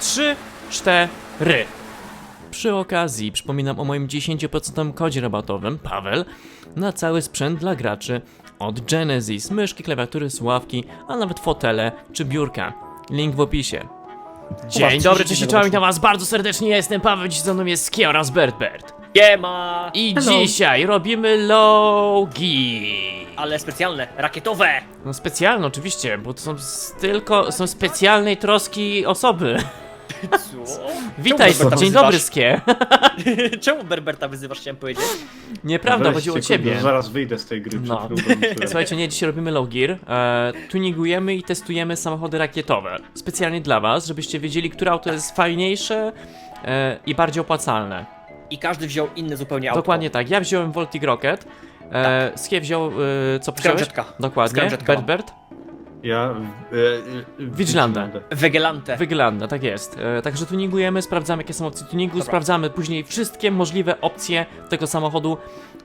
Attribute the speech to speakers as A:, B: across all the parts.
A: 3, 4. Przy okazji przypominam o moim 10% kodzie rabatowym, Paweł, na cały sprzęt dla graczy od Genesis, myszki, klawiatury, słuchawki, a nawet fotele czy biurka. Link w opisie. Dzień dobry, cześć, czołem, witam was bardzo serdecznie, ja jestem Paweł, dziś ze mną jest Ski oraz Bert.
B: Siema!
A: I dzisiaj robimy logi.
B: Ale specjalne, rakietowe!
A: No specjalne oczywiście, bo to są specjalnej troski osoby.
B: Co?
A: Witaj,
B: Czemu
A: dzień
B: Berberta
A: dobry
B: wyzywasz?
A: Skie.
B: Czemu Berberta wyzywasz, chciałem powiedzieć?
A: Nieprawda,
C: Weźcie,
A: chodziło o
C: kurde,
A: ciebie.
C: Zaraz wyjdę z tej gry
A: No.
C: przed próbą.
A: Słuchajcie, nie, dzisiaj robimy low gear, tuningujemy i testujemy samochody rakietowe. Specjalnie dla was, żebyście wiedzieli, które auto jest fajniejsze i bardziej opłacalne.
B: I każdy wziął inny zupełnie auto.
A: Dokładnie tak, ja wziąłem Voltig Rocket, Skie wziął, co wziąłeś?
B: Scramjetka.
A: Dokładnie,
B: Scramjetka mam.
A: Bert?
C: Ja...
A: Vigilante.
B: Wegelante.
A: Wygląda, tak jest. Także tuningujemy, sprawdzamy jakie są opcje tuningu,
B: Dobra.
A: sprawdzamy później wszystkie możliwe opcje tego samochodu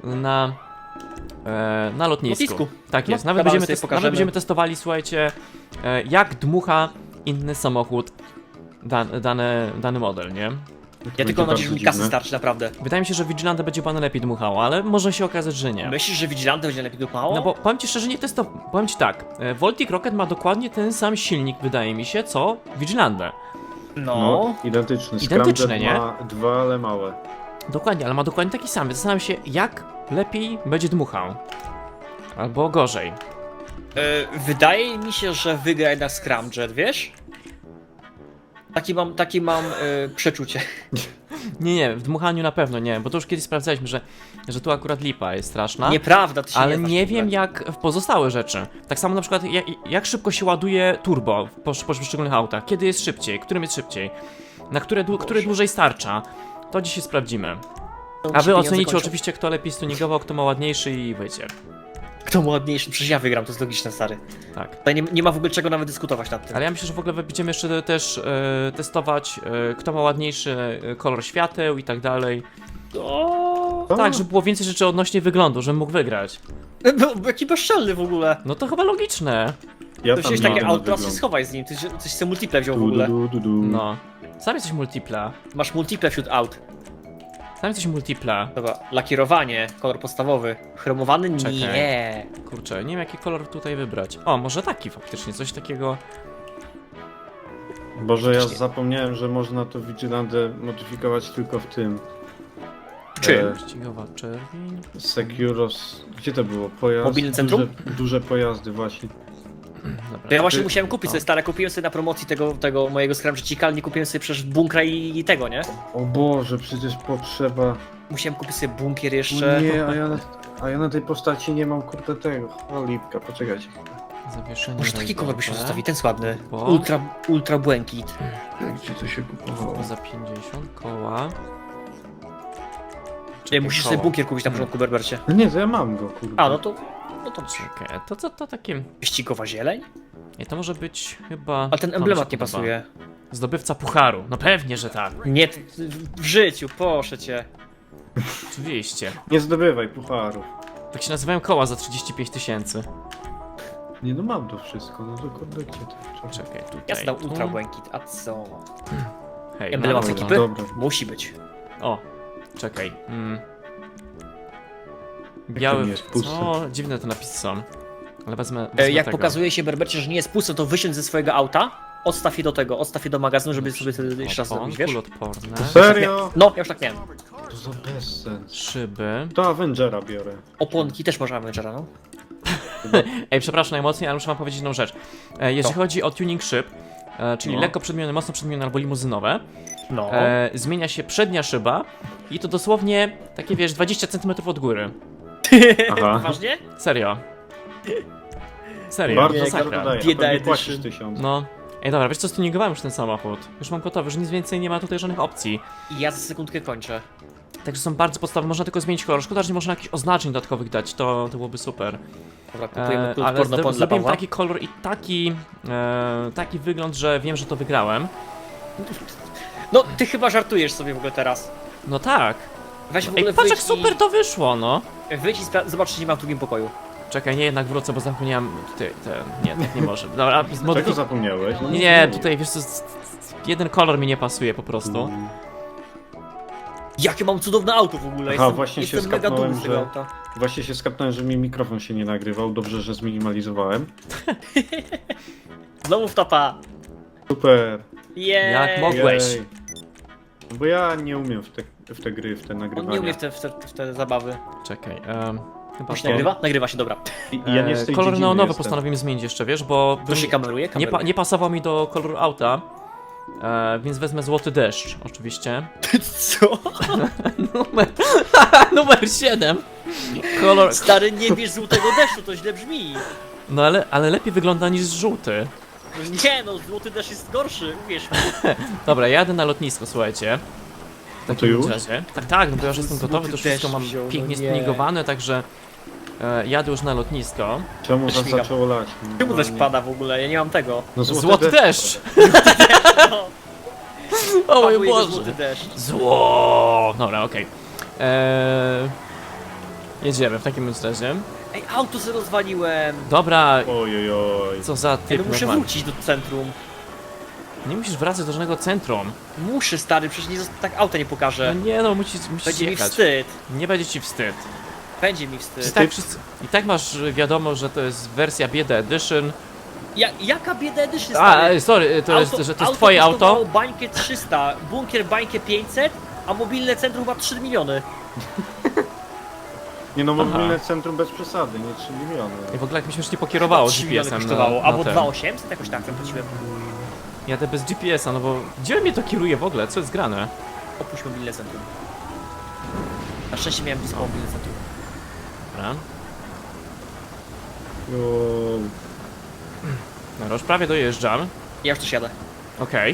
A: na lotnisku.
B: Lotnisku.
A: Tak
B: No,
A: jest, nawet
B: kawałek
A: będziemy,
B: sobie pokażemy.
A: nawet będziemy testowali, słuchajcie, jak dmucha inny samochód dany model, nie?
B: Ja tylko mam nadzieję, że mi kasy starczy, naprawdę.
A: Wydaje mi się, że Vigilante będzie pan lepiej dmuchało, ale może się okazać, że nie.
B: Myślisz, że Vigilante będzie lepiej dupało?
A: No bo powiem ci szczerze, nie testowałem. Powiem ci tak, Voltig Rocket ma dokładnie ten sam silnik, wydaje mi się, co Vigilante.
C: No, identyczny.
A: Identyczne,
C: Scramjet
A: nie?
C: ma dwa, ale małe.
A: Dokładnie, ale ma dokładnie taki sam. Zastanawiam się, jak lepiej będzie dmuchał. Albo gorzej.
B: Wydaje mi się, że wygra jednak Scramjet, wiesz? Takie mam przeczucie.
A: Nie, w dmuchaniu na pewno nie, bo to już kiedyś sprawdzaliśmy, że tu akurat lipa jest straszna.
B: Nieprawda, ty się
A: Ale
B: znasz
A: nie
B: w ogóle.
A: wiem jak w pozostałe rzeczy. Tak samo na przykład jak szybko się ładuje turbo w poszczególnych autach. Kiedy jest szybciej, którym jest szybciej. Na które dłużej starcza. To dzisiaj sprawdzimy.
B: To mi
A: A
B: się
A: wy
B: pieniądze
A: ocenicie
B: kończą.
A: oczywiście kto lepiej stuningował, kto ma ładniejszy i wiecie.
B: Kto ma ładniejszy? Przecież ja wygram, to jest logiczne, stary.
A: Tak.
B: Tutaj nie ma w ogóle czego nawet dyskutować nad tym.
A: Ale ja myślę, że w ogóle będziemy jeszcze też testować, kto ma ładniejszy kolor świateł i tak dalej.
B: O,
A: Tak, żeby było więcej rzeczy odnośnie wyglądu, żebym mógł wygrać.
B: jaki bezczelny w ogóle.
A: No to chyba logiczne.
C: Ja
B: To
C: tam
B: wziąłeś
C: nie
B: takie
C: mam
B: auto, teraz się
C: wyglądu.
B: schowaj z nim, coś sobie multiple wziął w ogóle.
A: No. Sam jesteś multipla.
B: Masz multiple wśród aut.
A: Sam jesteś multipla.
B: Dobra, lakierowanie, kolor podstawowy. Chromowany?
A: Czekaj.
B: Nie.
A: Kurczę, nie wiem jaki kolor tutaj wybrać. O, może taki faktycznie, coś takiego.
C: Boże, ja
B: Faktycznie.
C: zapomniałem, że można to Vigilante modyfikować tylko w tym.
B: Czym?
A: Ścigowa czerwień.
C: Securos... Gdzie to było? Pojazd...
B: Mobilne centrum?
C: Duże pojazdy właśnie.
A: Dobra.
B: To ja właśnie
C: Ty-
B: musiałem kupić sobie stare, kupiłem sobie na promocji tego mojego Scramjetika, ale nie kupiłem sobie przecież bunkra i tego, nie?
C: O Boże, przecież potrzeba...
B: Musiałem kupić sobie bunkier
C: O
B: jeszcze.
C: nie, a ja na tej postaci nie mam kurde tego. O lipka, poczekajcie.
A: Zawieszenie.
B: Może taki kolor byśmy
A: rajdowe.
B: zostawili, ten sładny.
A: Bo?
B: Ultra błękit.
C: Gdzie to się kupowało?
A: Za 50 koła.
B: Nie, musisz sobie bunkier kupić na początku, Berbercie.
C: No nie, to ja mam go, kurde.
B: A, no to
A: Czekaj, to co to takie.
B: wyścigowa zieleń?
A: Nie, to może być chyba.
B: Ale ten
A: to mi
B: emblemat
A: się
B: nie
A: podoba.
B: pasuje.
A: Zdobywca pucharu. No pewnie, że tak.
B: Nie, w życiu, proszę cię.
A: Oczywiście.
C: Nie zdobywaj pucharów.
A: Tak się nazywają koła za 35 000.
C: Nie no, mam to wszystko, no to kurde, gdzie to?
A: Czekaj, tutaj.
B: Ja zdał
A: tu.
B: ultra błękit, a co?
A: Hej,
B: Emblemat
A: no,
B: z
C: dobra,
B: ekipy?
C: dobra.
B: Musi być.
A: O, czekaj. Biały.
C: nie jest puste?
A: Co? Dziwne te napisy są. Ale wezmę
B: Jak
A: tego.
B: pokazuje się Berbercie, że nie jest puste, to wysiądź ze swojego auta, odstaw je do tego, odstaw je do magazynu, żeby sobie jeszcze raz zrobić, wiesz?
A: Kulotporne.
C: Serio?
B: No, ja już tak miałem.
C: To za bezsens.
A: Szyby.
C: To Avengera biorę.
B: Oponki też można Avengera, no.
A: Ej, przepraszam najmocniej, ale muszę wam powiedzieć jedną rzecz. Jeżeli
B: Co?
A: chodzi o tuning szyb, czyli
C: No.
A: lekko przedmienne, mocno przedmienne albo limuzynowe,
B: No.
A: zmienia się przednia szyba i to dosłownie takie, wiesz, 20 cm od góry.
C: Aha.
B: Poważnie?
A: Serio. Serio,
C: Bardzo
A: masakra.
C: super dodaję,
B: Bieda
C: a pewnie
B: edition.
C: płacisz 1000.
A: No. Ej, dobra, wiesz co, stuningowałem już ten samochód. Już mam gotowy, już nic więcej nie ma tutaj żadnych opcji.
B: I ja za sekundkę kończę.
A: Także są bardzo podstawowe, można tylko zmienić kolor. Szkoda, że nie można jakichś oznaczeń dodatkowych dać, to byłoby super.
B: Dobra, kupujemy
A: Ale
B: porno dla
A: zrobiłem
B: Pawła.
A: taki kolor i taki wygląd, że wiem, że to wygrałem.
B: No, ty chyba żartujesz sobie w ogóle teraz.
A: No tak.
B: Weź w ogóle
A: Ej, patrz jak
B: wyjdź
A: super to wyszło, no.
B: Wyjdź i zobacz, czy nie ma w drugim pokoju.
A: Czekaj, nie, jednak wrócę, bo zapomniałem tutaj, nie, tak nie może. Dobra,
C: Czego zapomniałeś? No,
A: Nie,
C: no,
A: tutaj, wiesz co, jeden kolor mi nie pasuje po prostu.
B: Jakie mam cudowne auto w ogóle,
C: Aha, właśnie się
B: jestem mega dumny
C: skapnąłem,
B: z tego
C: że-
B: auta.
C: Właśnie się skapnąłem, że mi mikrofon się nie nagrywał. Dobrze, że zminimalizowałem.
B: Znowu wtapa.
C: Super.
B: Jej.
A: Jak mogłeś?
C: Jej. Bo ja nie umiem w te gry, w te
B: On
C: nagrywania.
B: nie umie w te zabawy.
A: Czekaj, chyba
B: Już
A: to.
B: nagrywa? Nagrywa się, dobra.
C: Ja nie z tej
A: Kolor
C: dziedziny
A: neonowy
C: jestem.
A: postanowiłem zmienić jeszcze, wiesz, bo
B: To się kameruje?
A: nie pasował mi do koloru auta. Więc wezmę złoty deszcz, oczywiście.
B: Co?
A: Numer 7. Kolor.
B: Stary, nie bierz złotego deszczu, to źle brzmi.
A: No ale lepiej wygląda niż żółty.
B: Nie no, złoty deszcz jest gorszy, uwierz mi.
A: Dobra, jadę na lotnisko, słuchajcie. W
C: No to
A: takim
C: już?
A: razie. Tak, no bo ja już jestem gotowy, to już
B: Złoty
A: wszystko
B: deszcz
A: mam
B: wziął, no
A: pięknie
B: nie.
A: spinigowane, także jadę już na lotnisko.
C: Czemu was
B: Śmigam.
C: zaczęło lać?
B: Czemu deszcz
C: Normalnie.
B: pada w ogóle? Ja nie mam tego.
C: No
A: Złoty deszcz!
B: No,
A: O mój
B: padł jego
A: Boże!
B: złoty deszcz.
A: Zło! Dobra, okej. Jedziemy w takim bądź razie.
B: Ej, auto sobie rozwaliłem.
A: Dobra,
C: Ojojoj.
A: co za
B: Ej,
A: typ
B: no muszę
A: normalny.
B: wrócić do centrum.
A: Nie musisz wracać do żadnego centrum.
B: Muszę, stary, przecież nie, tak auta nie
A: No
B: pokażę.
A: nie no, musisz
B: Będzie mi
A: jechać.
B: wstyd.
A: Nie będzie ci wstyd.
B: Będzie mi
A: I
B: wstyd.
A: tak, I tak masz wiadomo, że to jest wersja Bieda Edition.
B: Jaka bieda edytion,
A: A,
B: stary?
A: sorry, to jest, że to jest twoje
B: kosztowało
A: auto.
B: bańkę 300, bunkier bańkę 500, a mobilne centrum chyba 3 miliony.
C: Nie no,
A: Aha.
C: mobilne centrum bez przesady, nie 3 miliony.
A: I w ogóle jak mi się już nie pokierowało
B: 3 miliony
A: GPS-em
B: kosztowało, albo
A: ten.
B: 2800 jakoś tak zapłaciłem.
A: Jadę bez GPS-a, no bo gdzie mnie to kieruje w ogóle? Co jest grane?
B: Opuść mobilne centrum. Na szczęście miałem blisko mobilne centrum.
A: Dobra.
C: O,
A: Dobra, już prawie dojeżdżam.
B: Ja już też jadę.
A: Okej.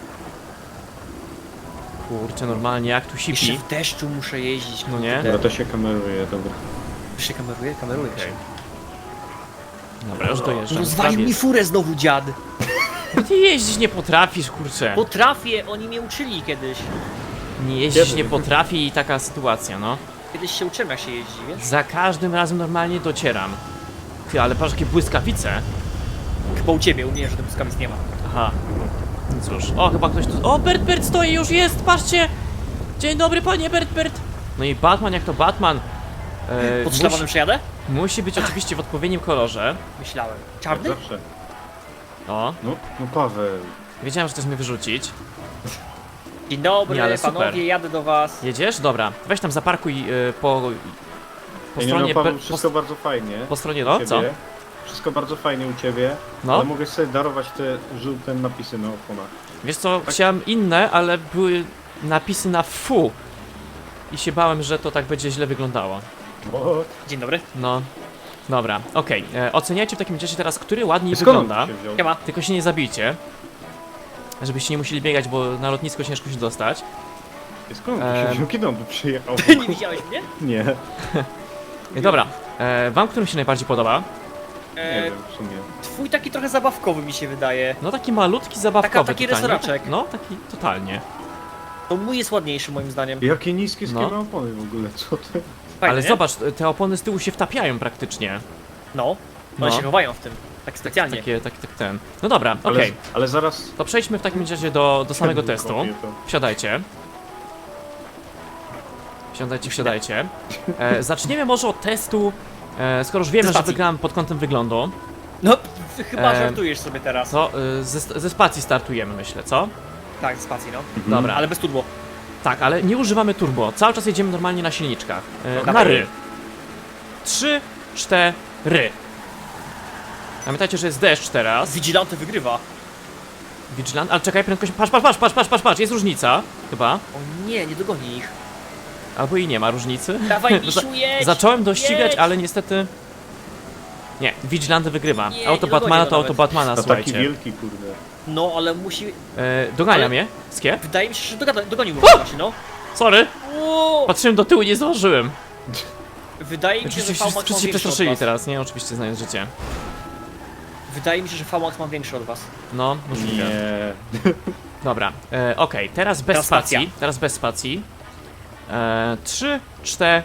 A: Kurczę, normalnie jak tu
B: Jeszcze
A: sipi.
B: w deszczu muszę jeździć.
A: No nie?
C: Dobra, to się kameruje, dobra.
B: Już się kameruje? Kameruje
A: Okej.
B: się.
A: Dobra, już dojeżdżam.
B: Rozwalił
A: Prawie
B: mi furę znowu dziad.
A: Ty jeździć nie potrafisz, kurczę.
B: Potrafię, oni mnie uczyli kiedyś.
A: Nie jeździć
C: Kiedy?
A: nie potrafi i taka sytuacja, no.
B: Kiedyś się uczyłem jak się jeździ, wiesz?
A: Za każdym razem normalnie docieram. Ty, ale patrz jakie błyskawice.
B: Chyba u ciebie, u mnie, że tych błyskawic nie ma.
A: Aha. No cóż, o chyba ktoś tu... O, Bert stoi, już jest, patrzcie! Dzień dobry panie Bert. No i Batman, jak to Batman.
B: Pod szlabanem przejadę?
A: Musi być oczywiście w odpowiednim kolorze.
B: Myślałem.
C: Jak
B: Czarny?
C: zawsze.
A: O,
C: No Paweł.
A: wiedziałem, że chcesz mnie wyrzucić.
B: Dzień dobry,
A: Nie, ale
B: panowie,
A: super.
B: jadę do was.
A: Jedziesz? Dobra, weź tam zaparkuj po
C: Ej, nie
A: stronie...
C: no, Paweł,
A: po,
C: wszystko bardzo fajnie.
A: po stronie,
C: u
A: no, co?
C: ciebie. Wszystko bardzo fajnie u ciebie,
A: No,
C: ale mogę sobie darować te żółte napisy na oponach.
A: wiesz co,
C: Tak.
A: chciałem inne, ale były napisy na fu. I się bałem, że to tak będzie źle wyglądało.
C: O,
B: Dzień dobry.
A: No, dobra, okej. Oceniajcie w takim razie teraz, który ładniej
C: skąd on
A: wygląda.
C: się wziął?
B: Nie ma.
A: Tylko się nie zabijcie. Żebyście nie musieli biegać, bo na lotnisko ciężko się dostać.
C: Skąd on się wziął? Kiedy on tu przyjechał?
B: Nie widziałeś mnie?
C: Nie,
A: Dobra, wam którym się najbardziej podoba?
C: nie wiem w sumie.
B: Twój taki trochę zabawkowy mi się wydaje.
A: No taki malutki, zabawkowy
B: taki
A: totalnie.
B: resoraczek.
A: No, taki totalnie.
B: To mój jest ładniejszy moim zdaniem.
C: Jakie niskie
A: No.
C: no. opony w ogóle, co ty?
B: Fajny,
A: Ale
B: nie?
A: zobacz, te opony z tyłu się wtapiają praktycznie.
B: No. One
A: No.
B: się chowają w tym. Tak specjalnie.
A: Tak ten. No dobra, okej.
C: Ale zaraz...
A: To przejdźmy w takim razie do samego testu.
C: Kopię to.
A: Wsiadajcie. Wsiadajcie. Zaczniemy może od testu, skoro już wiemy, że
B: spacji.
A: wygrałem pod kątem wyglądu,
B: No, ty chyba
A: Em,
B: żartujesz sobie teraz.
A: to ze spacji startujemy, myślę, co?
B: Tak, z spacji, no.
A: Dobra,
B: Ale bez turbo.
A: tak, ale nie używamy turbo, cały czas jedziemy normalnie na silniczkach. Na
B: dawaj.
A: ry. 3, 4. Pamiętajcie, że jest deszcz teraz.
B: Vigilante wygrywa.
A: Vigilant, ale czekaj, prędkość. Patrz, jest różnica, chyba.
B: O nie, nie dogoni ich.
A: Albo i nie ma różnicy.
B: Dawaj, Misiu, jedź!
A: Zacząłem dościgać,
B: jedź!
A: ale niestety... Nie, Vigilanty wygrywa.
B: Nie,
A: Auto
B: nie
A: Batmana
B: dogonię
A: to
B: go
A: auto
B: nawet.
A: Batmana,
C: A taki
A: słuchajcie.
C: wielki, kurde.
B: No, ale musi...
A: Dogania
B: Ale-
A: mnie? Skie?
B: Wydaje mi się, że dogonił go właśnie, no.
A: Sorry!
B: O!
A: Patrzyłem do tyłu, nie zdążyłem.
B: Wydaje mi się, że
A: Oczywiście
B: VMAX ma
A: wszyscy się
B: większy od
A: przestraszyli
B: was.
A: teraz, nie? Oczywiście znając życie.
B: Wydaje mi się, że VMAX ma większy od was.
A: No, możliwe.
C: Nie.
A: Dobra, okej, teraz bez
B: Teraz spacja.
A: spacji. Teraz bez spacji. 3, 4.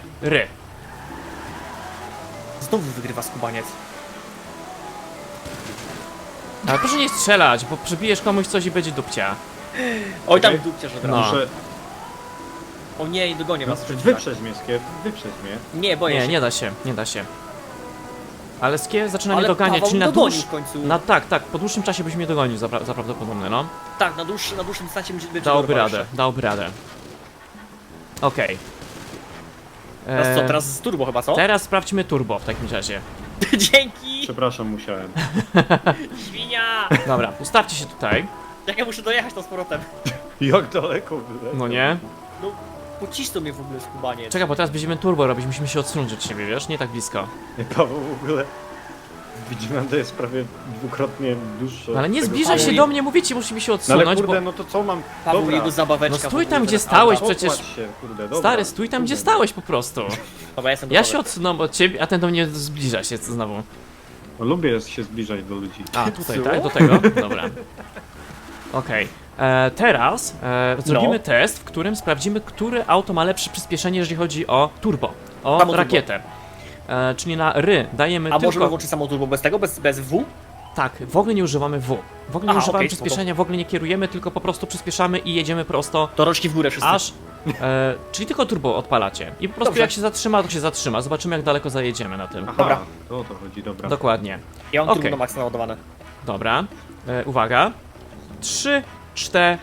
B: Znowu wygrywa skubaniec.
A: Ale proszę nie strzelać, bo przebijesz komuś coś i będzie dupcia.
B: Oj, tam
C: Okej.
B: dupciarz od
A: No.
B: razu.
C: Muszę...
B: O nie, nie dogonię
C: No,
B: was.
C: wyprzedź mnie, Skier, wyprzedź mnie.
B: Nie, boję
A: Nie,
B: się.
A: nie da się, nie da się. Ale Skier zaczyna mnie
B: Ale
A: doganiać,
B: Paweł
A: czyli na
B: dogonił
A: dłuż...
B: w końcu.
A: Tak, po dłuższym czasie byś mnie dogonił za prawdopodobne, no.
B: Tak, na dłuższym dystansie będzie
A: Dałby
B: dorwał
A: radę,
B: jeszcze.
A: dałby radę. Okej.
B: Teraz co, teraz z turbo chyba, co?
A: Teraz sprawdźmy turbo w takim razie.
B: Dzięki!
C: Przepraszam, musiałem.
B: Świnia!
A: Dobra, ustawcie się tutaj.
B: Jak ja muszę dojechać to z powrotem?
C: Jak daleko byłem?
A: No nie?
B: No, pocisnął mnie w ogóle skubanie.
A: Czekaj, bo teraz będziemy turbo robić, musimy się odsunąć od siebie, wiesz? Nie tak blisko.
C: Nie, Paweł w ogóle... Widzimanda jest prawie dwukrotnie dłuższy.
A: No ale nie
C: od tego
A: zbliżaj się
C: Paweł.
A: do mnie, mówię ci, musimy się
C: No
A: odsunąć,
C: ale kurde,
A: bo...
C: no to co mam...
B: Paweł,
C: Dobra,
B: jego zabaweczka.
A: No stój
B: w
A: tam,
B: ogóle,
A: gdzie
B: ten
A: stałeś,
B: auto.
A: przecież-
C: Pokładź się, kurde, dobra.
A: Stary, stój tam, gdzie
C: Kurde.
A: stałeś po prostu.
B: Dobra, jestem
A: Ja
B: gotowy.
A: się odsunąłem od ciebie, a ten do mnie zbliża się znowu.
C: No, lubię się zbliżać do ludzi.
A: A, tutaj,
C: Co?
A: tak? Do tego? Dobra. Okej. Teraz zrobimy
B: No.
A: test, w którym sprawdzimy, które auto ma lepsze przyspieszenie, jeżeli chodzi o turbo, o
B: Samo turbo.
A: rakietę. Czyli na ry dajemy
B: A możemy
A: tylko...
B: włączyć samo turbo bez tego, bez W?
A: Tak, w ogóle nie używamy W. W ogóle nie
B: Aha,
A: używamy
B: okej,
A: przyspieszenia, w ogóle nie kierujemy, tylko po prostu przyspieszamy i jedziemy prosto
B: To rączki w górę wszyscy.
A: aż... czyli tylko turbo odpalacie. I po prostu
B: Dobrze.
A: jak się zatrzyma, to się zatrzyma. Zobaczymy, jak daleko zajedziemy na tym.
C: Aha,
B: Dobra.
C: to o to chodzi, dobra.
A: Dokładnie.
B: Ja mam
A: okej.
B: turbo na maksa naładowane.
A: Dobra. Uwaga. 3, 4.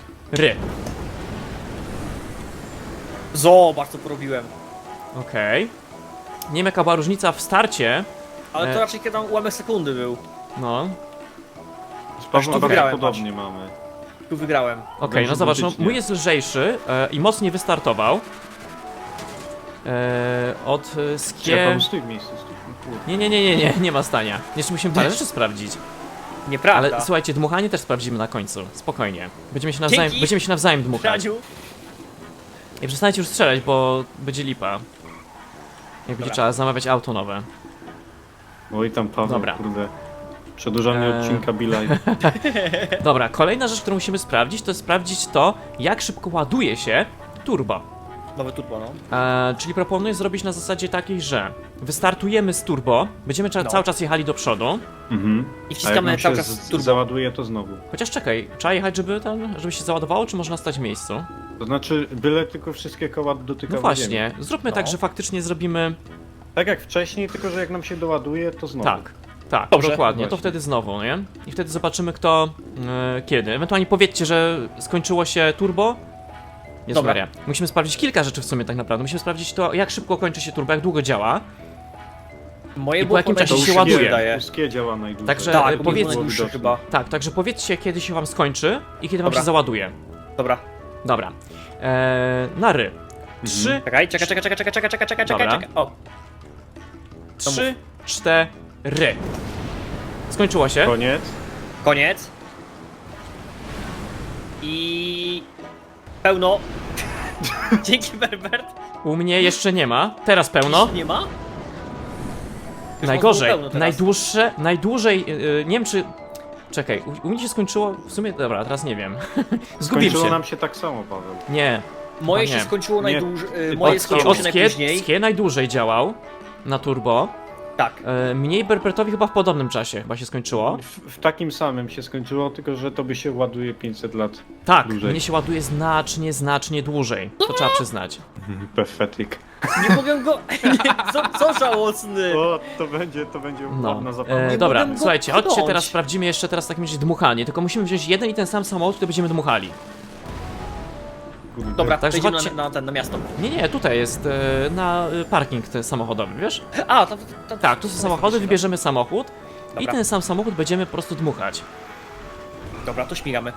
B: Zobacz, co porobiłem.
A: Okej. Nie wiem, jaka była różnica w starcie.
B: Ale to raczej kiedy tam ułamek sekundy był.
A: No.
C: Z
B: Aż tu
C: Pawłem
B: wygrałem,
C: podobnie mamy.
B: Tu wygrałem.
A: Okej, no
C: Dobrze,
A: zobacz, no,
C: identycznie.
A: mój jest lżejszy i mocniej wystartował. Od
C: Czekaj,
A: skie...
C: Paweł, stój w miejscu, stój. Kurde.
A: Nie ma stania. Jeszcze musimy parę rzeczy sprawdzić.
B: Nieprawda.
A: Ale słuchajcie, dmuchanie też sprawdzimy na końcu. Spokojnie.
B: Dzięki.
A: Będziemy się nawzajem dmuchać.
B: Radziu.
A: I przestańcie już strzelać, bo będzie lipa. Jak będzie
B: Dobra.
A: trzeba zamawiać auto nowe.
C: Oj tam Paweł,
A: Dobra.
C: kurde. Przedłużanie odcinka Bilaj.
A: Dobra, kolejna rzecz, którą musimy sprawdzić, to jest sprawdzić to, jak szybko ładuje się turbo.
B: Nowe turbo, no.
A: Czyli proponuję zrobić na zasadzie takiej, że wystartujemy z turbo, będziemy
B: No.
A: cały czas jechali do przodu,
C: Mhm.
B: I
C: A jak
B: wciskamy
C: nam
B: cały
C: się
B: czas turbo.
C: załaduje, to znowu.
A: chociaż czekaj, trzeba jechać, żeby się załadowało, czy można stać w miejscu?
C: To znaczy, byle tylko wszystkie koła dotykały
A: No właśnie,
C: ziemi.
A: zróbmy
B: No.
A: tak, że faktycznie zrobimy
C: Tak jak wcześniej, tylko że jak nam się doładuje, to znowu.
A: tak,
B: Dobrze.
A: dokładnie, to
C: Właśnie.
A: wtedy znowu, nie? I wtedy zobaczymy kto, kiedy. Ewentualnie powiedzcie, że skończyło się turbo. Jest
B: Dobra.
A: Maria. Musimy sprawdzić kilka rzeczy w sumie tak naprawdę. Musimy sprawdzić to, jak szybko kończy się turbo, jak długo działa.
B: Moje
A: I po
B: było
A: jakim
B: podejście
A: czasie się
B: się
A: ładuje.
B: wydaje.
C: Uskie działa najdłużej.
A: Także
B: Tak,
A: powiedz-
B: powiedz
C: było
B: najdłuższe
C: widoczne.
B: chyba.
A: Tak, także powiedzcie, kiedy się wam skończy i kiedy wam
B: Dobra.
A: się załaduje.
B: Dobra.
A: Dobra. Na ry. 3,
B: Czekaj.
A: Dobra.
B: O,
A: 3, 4. Skończyło się.
C: Koniec.
B: koniec. I... Pełno. Dzięki, Berbert.
A: U mnie jeszcze nie ma. Teraz pełno.
B: Nie ma? Już
A: Najgorzej.
B: było pełno teraz.
A: Najdłużej. Nie wiem czy. Czekaj, u mnie się skończyło. W sumie. Dobra, teraz nie wiem. Zgubiłem
C: Skończyło
A: się.
C: nam się tak samo, Paweł.
A: Nie.
B: Moje
A: nie.
B: się skończyło
C: Nie.
B: najdłużej. Moje
C: Od-
B: skończyło się najpóźniej.
A: Skie najdłużej działał na turbo.
B: Tak.
A: Mniej Berbertowi chyba w podobnym czasie chyba się skończyło.
C: W takim samym się skończyło, tylko że to by się ładuje 500 lat.
A: Tak,
C: Dłużej.
A: mnie się ładuje znacznie dłużej. To trzeba przyznać.
C: Pathetic.
B: Nie mogę go... Co żałosny.
C: O, to będzie
A: No.
C: ładna zabawa.
B: Nie
A: Dobra,
B: mogę go
A: słuchajcie, chodźcie
B: pchnąć.
A: teraz sprawdzimy jeszcze teraz w takim razie dmuchanie. Tylko musimy wziąć jeden i ten sam samochód, który będziemy dmuchali.
C: Kurde.
B: Dobra,
A: Także
B: przejdziemy
A: chodźcie.
B: na miasto.
A: Nie, tutaj jest na parking ten samochodowy, wiesz?
B: A, tam
A: Tak, tu są samochody, wybierzemy samochód i
B: Dobra.
A: ten sam samochód będziemy po prostu dmuchać.
B: Dobra, to śmigamy.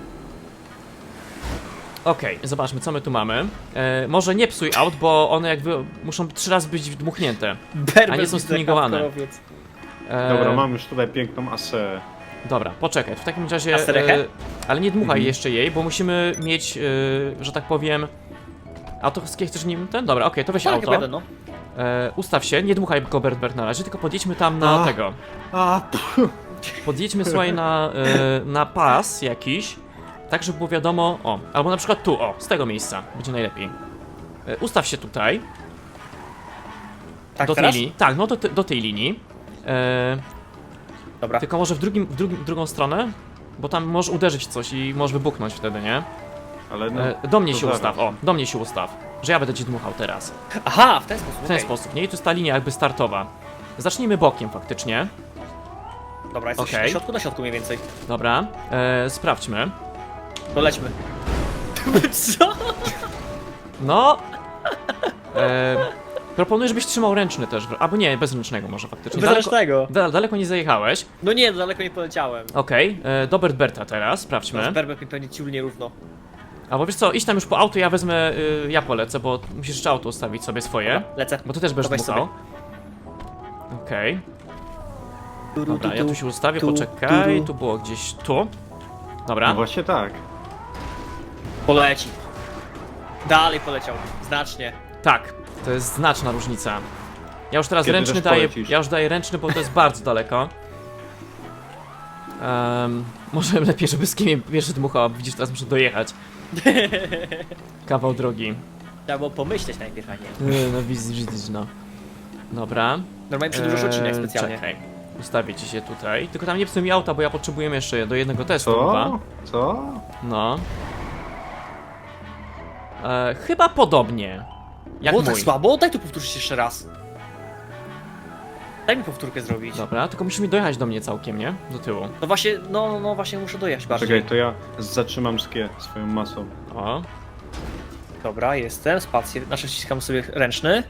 A: Okej, zobaczmy co my tu mamy. Może nie psuj aut, bo one jakby muszą 3 razy być dmuchnięte.
B: Berbert
A: A nie są
B: widzę,
A: stuningowane.
B: hardkorowiec.
C: Dobra, mam już tutaj piękną asę.
A: Dobra, poczekaj, w takim razie...
B: A serechę?
A: ale nie dmuchaj
C: Mhm.
A: jeszcze jej, bo musimy mieć, że tak powiem... A to chcesz nim ten? Dobra, okej, to weź
B: Tak,
A: auto.
B: będę, no.
A: Ustaw się, nie dmuchaj go Bert na razie, tylko podjedźmy tam na
C: A.
A: tego.
C: A,
A: Podjedźmy słuchaj na pas jakiś, tak żeby było wiadomo, o, albo na przykład tu, o, z tego miejsca, będzie najlepiej. Ustaw się tutaj,
B: Tak,
A: do tej
B: teraz?
A: linii, tak, no do tej linii.
B: Dobra.
A: Tylko może w drugą stronę? Bo tam możesz uderzyć w coś i możesz wybuchnąć wtedy, nie?
C: Ale no,
A: Do mnie
C: to
A: się
C: zaraz.
A: ustaw, o, do mnie się ustaw. Że ja będę ci dmuchał teraz.
B: Aha, w ten sposób,
A: W ten
B: okej.
A: sposób, nie? I tu jest ta linia jakby startowa. Zacznijmy bokiem faktycznie.
B: Dobra, jesteś
A: Okej.
B: na środku mniej więcej.
A: Dobra, sprawdźmy.
B: To lećmy. Co?
A: No. Proponuję, żebyś trzymał ręczny też. Albo nie, bez ręcznego może faktycznie.
B: Bezręcznego.
A: Daleko nie zajechałeś.
B: No nie, daleko nie poleciałem.
A: Okej, do Berta teraz, sprawdźmy.
B: Berbert mi pewnie ciulnie równo.
A: Albo wiesz co, idź tam już po auto, ja wezmę, ja polecę, bo musisz jeszcze auto ustawić sobie swoje.
B: Dobra, lecę.
A: Bo ty też będziesz
B: To weź
A: dmuchał. Okej. Dobra, ja tu się ustawię, poczekaj, tu było gdzieś tu. Dobra.
C: No właśnie tak.
B: Poleci. Dalej poleciał. Znacznie.
A: Tak, to jest znaczna różnica. Ja już teraz
C: Kiedy
A: ręczny
C: też
A: daję,
C: polecisz?
A: ja już daję ręczny, bo to jest bardzo daleko. Może lepiej, żeby z kim pierwszy dmuchał, a widzisz, teraz muszę dojechać. Kawał drogi.
B: Trzeba było pomyśleć najpierw, a nie.
A: No widzisz, no. Dobra.
B: Normalnie przedłużasz odcinek specjalnie.
A: Czekaj, ustawię ci się tutaj. Tylko tam nie psuj mi auta, bo ja potrzebuję jeszcze do jednego testu chyba.
C: Co? Co?
A: No. Chyba podobnie. Jak
B: Było
A: mój.
B: tak słabo? Daj tu powtórzyć jeszcze raz. Daj mi powtórkę zrobić.
A: Dobra, tylko musimy dojechać do mnie całkiem, nie? Do tyłu.
B: No właśnie, no właśnie muszę dojechać bardziej.
C: Czekaj, to ja zatrzymam skie swoją masą.
A: O.
B: Dobra, jestem, spację, znaczy ściskam sobie ręczny.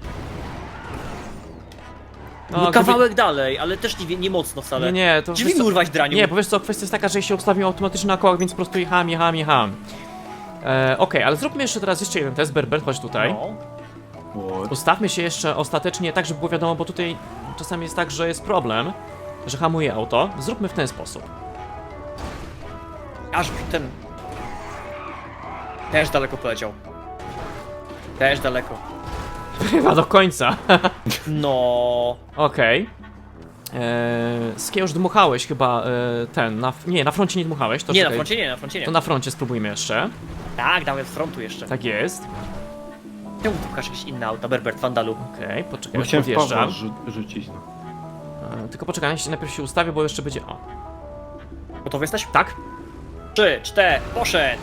B: No, kawałek dalej, ale też nie mocno wcale.
A: Nie, to
B: Drzwi mi urwać, draniu.
A: Nie, bo wiesz co, kwestia jest taka, że się ustawił automatycznie na kołach, więc po prostu jechałem. Okej, ale zróbmy jeszcze jeden test, Berbert, chodź tutaj.
B: No.
C: What?
A: Ustawmy się jeszcze ostatecznie tak, żeby było wiadomo, bo tutaj czasami jest tak, że jest problem, że hamuje auto. Zróbmy w ten sposób.
B: Aż ten... Też daleko poleciał. Też daleko.
A: Chyba do końca.
B: No.
A: Okej. Skie już dmuchałeś chyba nie, na froncie nie dmuchałeś, to
B: Nie, na
A: czekaj.
B: froncie nie, na froncie nie.
A: To na froncie spróbujmy jeszcze.
B: Tak, dałem z frontu jeszcze.
A: Tak jest.
B: Czemu tu pokaż jakieś inne auta, Berbert, Wandalu?
A: Okej, poczekaj,
C: Bo
A: już
C: chciałem w Pawła
A: podjeżdżam.
C: rzucić.
A: Tylko poczekaj, najpierw się ustawię, bo jeszcze będzie... O,
B: Gotowy jesteś?
A: tak?
B: 3, 4, poszedł!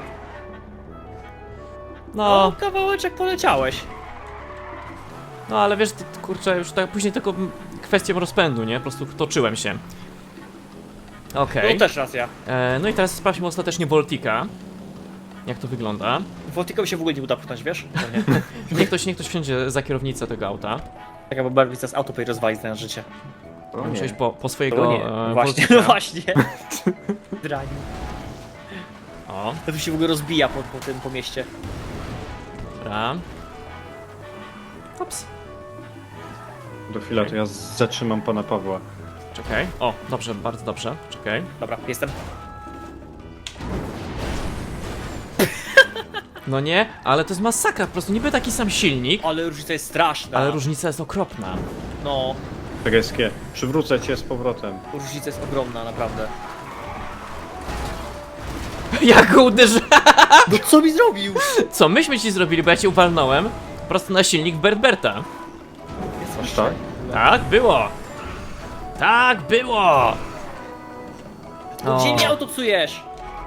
A: No,
B: Kawałeczek poleciałeś.
A: no ale wiesz, kurczę, już tak później tylko kwestią rozpędu, nie? Po prostu toczyłem się. Okej.
B: No też racja.
A: No i teraz sprawdźmy ostatecznie Voltika. Jak to wygląda.
B: Voltikowi się w ogóle nie uda pchnąć, wiesz? No nie.
A: Niech ktoś wsiądzie za kierownicę tego auta.
B: Tak, bo Berbert teraz auto rozwali na życie.
C: O
A: Muszę
C: nie.
A: iść po
B: To
A: swojego
B: nie, właśnie,
A: Voltika.
B: no właśnie. Drani.
A: O,
B: To tu się w ogóle rozbija po mieście.
A: dobra. Ops.
C: Do chwila, to ja zatrzymam pana Pawła.
A: Czekaj. O, dobrze, bardzo dobrze. Czekaj.
B: Dobra, jestem.
A: No nie, ale to jest masakra, po prostu niby taki sam silnik,
B: Ale różnica jest straszna.
A: ale różnica jest okropna.
B: No,
C: Czekaj, skie. Przywrócę cię z powrotem.
B: różnica jest ogromna, naprawdę.
A: Jak go uderzy...
B: No co mi zrobił?
A: Co myśmy ci zrobili, bo ja cię uwalnąłem prosto na silnik Berta.
C: Aż tak?
A: Tak było! Tak było!
B: No,
A: O.
B: gdzie mi auto psujesz?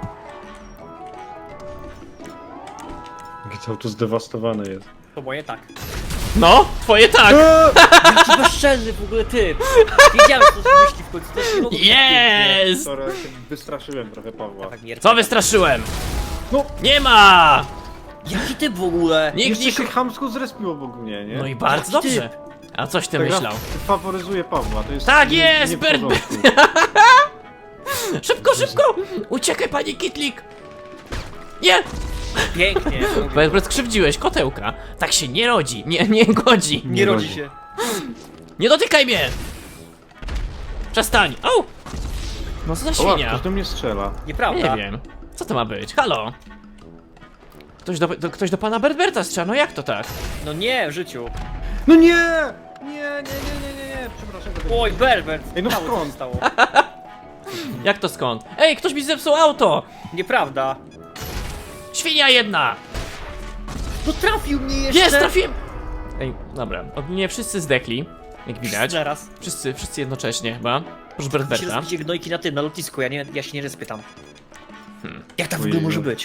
C: Jakie auto zdewastowane jest.
B: To moje tak.
A: No, twoje tak!
B: Jaki bezczelny w ogóle typ. Wiedziałem, co się myśli w końcu. To się nie mogło być pięknie.
A: Jest!
C: Sorry, ja się wystraszyłem trochę Pawła.
B: Tak, mierda.
A: Co wystraszyłem?
C: No.
A: Nie ma!
B: Jaki typ w ogóle?
A: Nikt
C: Jeszcze
A: nie...
C: się chamsko zrespił obok mnie, nie?
A: No i bardzo
B: Jaki
A: dobrze. A coś ty
C: Ta gra
A: myślał?
C: faworyzuje Pawła, to jest...
A: Tak
C: nie-
A: jest,
C: nie w
A: Bert-
C: porządku.
A: Szybko, szybko! Uciekaj, panie Kitlik! Nie!
B: Pięknie.
A: Berbert, skrzywdziłeś kotełka. Tak się nie rodzi, nie godzi.
B: Nie rodzi się.
A: Nie dotykaj mnie! Przestań! Au! No co za
C: Oła,
A: świnia?
C: ktoś do mnie strzela.
B: Nieprawda.
A: Nie wiem. Co to ma być? Halo? Ktoś do pana Berberta strzela, no jak to tak?
B: No nie, w życiu.
C: No nie! Nie, przepraszam.
B: Oj, Berbert.
C: Ej, no
B: Mało co
C: skąd?
B: się stało.
A: Jak to skąd? Ej, ktoś mi zepsuł auto!
B: Nieprawda.
A: Świnia jedna!
B: No trafił mnie jeszcze.
A: Jest, trafiłem! Ej, dobra, ogólnie wszyscy zdechli, jak widać.
B: Zaraz.
A: Wszyscy jednocześnie chyba. Proszę
B: Ci
A: Bertberta.
B: rozbicie gnojki na tym, na lotnisku, ja się nie respię tam. Jak tak w
C: Ojej.
B: ogóle może być?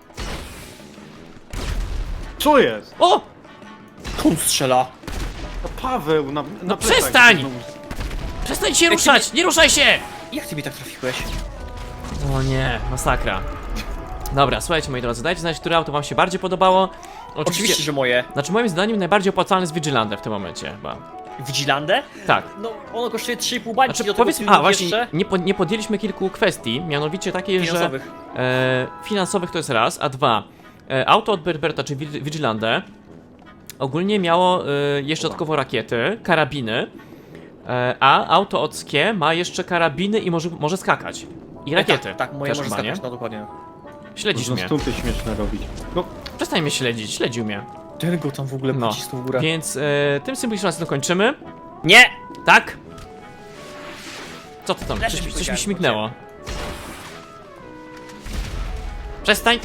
C: Co jest?
A: O!
B: Kun strzela.
C: No Paweł, na
A: No
C: plecach
A: przestań!
C: znowu.
A: Przestań się ruszać! Nie ruszaj się!
B: Jak ty mi tak trafiłeś?
A: O nie, masakra. Dobra, słuchajcie moi drodzy, dajcie znać, które auto wam się bardziej podobało.
B: Oczywiście, że moje.
A: Znaczy moim zdaniem najbardziej opłacalny jest Vigilante w tym momencie chyba.
B: Vigilandę?
A: Tak.
B: No, ono kosztuje 3,5 bańki,
A: Znaczy
B: do tego
A: powiedz,
B: pilnik
A: właśnie,
B: jeszcze
A: nie podjęliśmy kilku kwestii, mianowicie takiej,
B: finansowych.
A: że finansowych to jest raz, a dwa, auto od Berberta, czy Vigilante, ogólnie miało jeszcze dodatkowo rakiety, karabiny, a auto od Skie ma jeszcze karabiny i może skakać. I rakiety.
B: Tak, moje
A: też
B: może
A: chyba, nie?
B: skakać, no dokładnie.
A: Śledzisz
C: Można
A: mnie.
C: stunty śmieszne robić. No,
A: Przestań mnie śledzić, śledził mnie.
B: Ten go tam w ogóle
A: No,
B: pocisnął w górę.
A: więc tym symbolicznym kończymy.
B: Nie!
A: Tak? Co to tam?
B: Leży
A: Coś
B: mi
A: mi
B: powiedziałem,
A: śmignęło. Przestań!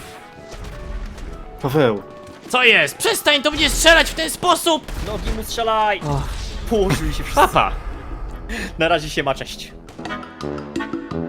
C: Paweł.
A: Co jest? Przestań, to będzie strzelać w ten sposób!
B: Nogi mu strzelaj!
A: Och,
B: Położyli się wszyscy.
A: papa!
B: Na razie się ma, cześć.